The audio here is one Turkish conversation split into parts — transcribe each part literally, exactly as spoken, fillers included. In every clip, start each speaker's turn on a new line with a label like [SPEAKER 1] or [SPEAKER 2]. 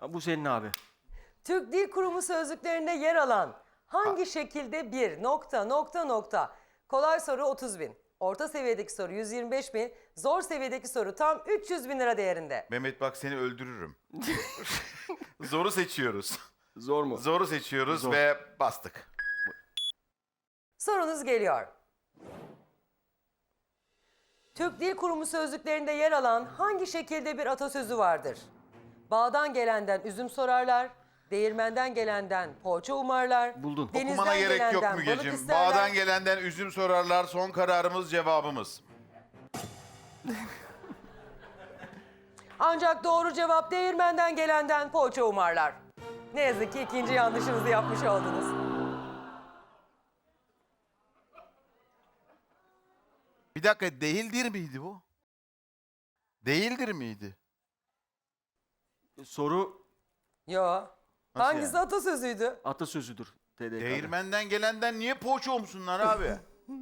[SPEAKER 1] Bu senin abi.
[SPEAKER 2] Türk Dil Kurumu sözlüklerinde yer alan hangi şekilde bir nokta nokta nokta? Kolay soru otuz bin. Orta seviyedeki soru yüz yirmi beş bin. Zor seviyedeki soru tam üç yüz bin lira değerinde.
[SPEAKER 3] Mehmet bak seni öldürürüm. Zoru seçiyoruz.
[SPEAKER 1] Zor mu?
[SPEAKER 3] Zoru seçiyoruz
[SPEAKER 1] Zor.
[SPEAKER 3] ve bastık.
[SPEAKER 2] Sorunuz geliyor. Türk Dil Kurumu sözlüklerinde yer alan hangi şekilde bir atasözü vardır? Bağdan gelenden üzüm sorarlar, değirmenden gelenden poğaça umarlar.
[SPEAKER 1] Buldun.
[SPEAKER 2] denizden
[SPEAKER 3] Okumana gerek yok
[SPEAKER 2] gelenden balık
[SPEAKER 3] Mügeciğim.
[SPEAKER 2] isterler.
[SPEAKER 3] Bağdan gelenden üzüm sorarlar. Son kararımız, cevabımız.
[SPEAKER 2] Ancak doğru cevap değirmenden gelenden poğaça umarlar. Ne yazık ki ikinci yanlışınızı yapmış oldunuz.
[SPEAKER 3] Bir dakika, değildir miydi bu? Değildir miydi?
[SPEAKER 1] Soru
[SPEAKER 2] Yo. Hangisi
[SPEAKER 3] yani?
[SPEAKER 2] atasözüydü?
[SPEAKER 1] atasözüdür. T D K'da.
[SPEAKER 3] Değirmenden gelenden niye poğaça olmuşsunlar abi?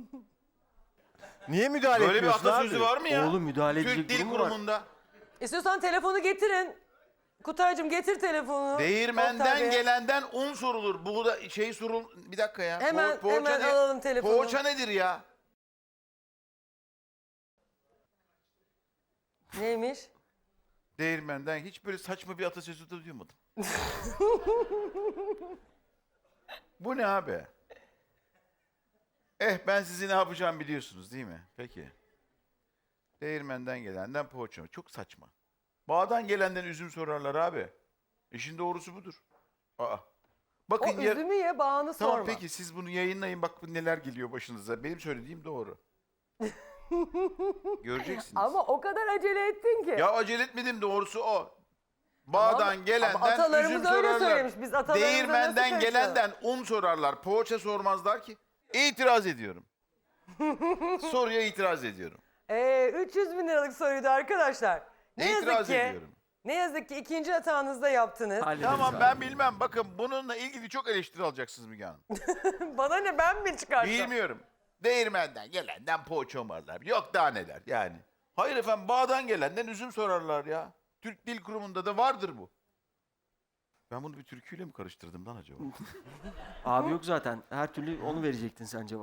[SPEAKER 4] Niye müdahale
[SPEAKER 3] Böyle bir
[SPEAKER 4] etmiyorsun
[SPEAKER 3] atasözü
[SPEAKER 4] abi?
[SPEAKER 3] var mı ya?
[SPEAKER 1] Oğlum müdahale
[SPEAKER 3] Türk
[SPEAKER 1] edecek
[SPEAKER 3] Dil
[SPEAKER 1] durum mu var?
[SPEAKER 3] Kurumu'nda.
[SPEAKER 2] İstiyorsan telefonu getirin. Kutaycığım getir telefonu. Oktay
[SPEAKER 3] Değirmenden
[SPEAKER 2] Bey.
[SPEAKER 3] gelenden un sorulur. Bu da şey sorul... Bir dakika ya.
[SPEAKER 2] Hemen-
[SPEAKER 3] Po- poğaça
[SPEAKER 2] hemen
[SPEAKER 3] ne-
[SPEAKER 2] alalım telefonu.
[SPEAKER 3] Poğaça nedir ya?
[SPEAKER 2] Neymiş?
[SPEAKER 3] Değirmenden hiç böyle saçma bir atasözü de duymadım. Bu ne abi? Eh ben sizi ne yapacağım biliyorsunuz değil mi? Peki. Değirmenden gelenden poğaça. Çok saçma. Bağdan gelenden üzüm sorarlar abi. İşin doğrusu budur. Aa.
[SPEAKER 2] O
[SPEAKER 3] Bakın ya...
[SPEAKER 2] üzümü ye, bağını
[SPEAKER 3] Tamam
[SPEAKER 2] sorma.
[SPEAKER 3] peki siz bunu yayınlayın bak neler geliyor başınıza. Benim söylediğim doğru. Göreceksiniz.
[SPEAKER 2] Ama o kadar acele ettin ki.
[SPEAKER 3] Ya acele etmedim doğrusu o. Bağdan
[SPEAKER 2] Ama-
[SPEAKER 3] gelenden
[SPEAKER 2] ama atalarımız
[SPEAKER 3] üzüm
[SPEAKER 2] öyle
[SPEAKER 3] sorarlar.
[SPEAKER 2] söylemiş. Biz atalarımıza nasıl
[SPEAKER 3] Değirmenden
[SPEAKER 2] karışalım?
[SPEAKER 3] gelenden un sorarlar. Poğaça sormazlar ki. İtiraz ediyorum. Soruya itiraz ediyorum.
[SPEAKER 2] Ee, üç yüz bin liralık soruydu arkadaşlar. Ne yazık
[SPEAKER 3] İtiraz
[SPEAKER 2] ki,
[SPEAKER 3] ediyorum.
[SPEAKER 2] ne yazık ki ikinci hatanızda yaptınız.
[SPEAKER 1] Hallederiz
[SPEAKER 3] Tamam
[SPEAKER 1] abi.
[SPEAKER 3] ben bilmem. Bakın bununla ilgili çok eleştiri alacaksınız Müge Hanım.
[SPEAKER 2] Bana ne, ben mi çıkarttım?
[SPEAKER 3] Bilmiyorum. Değirmenden gelenden poğaça umarlar. Yok daha neler yani. Hayır efendim bağdan gelenden üzüm sorarlar ya. Türk Dil Kurumu'nda da vardır bu. Ben bunu bir türküyle mi karıştırdım lan acaba?
[SPEAKER 1] Abi yok zaten. Her türlü onu verecektin sen cevap.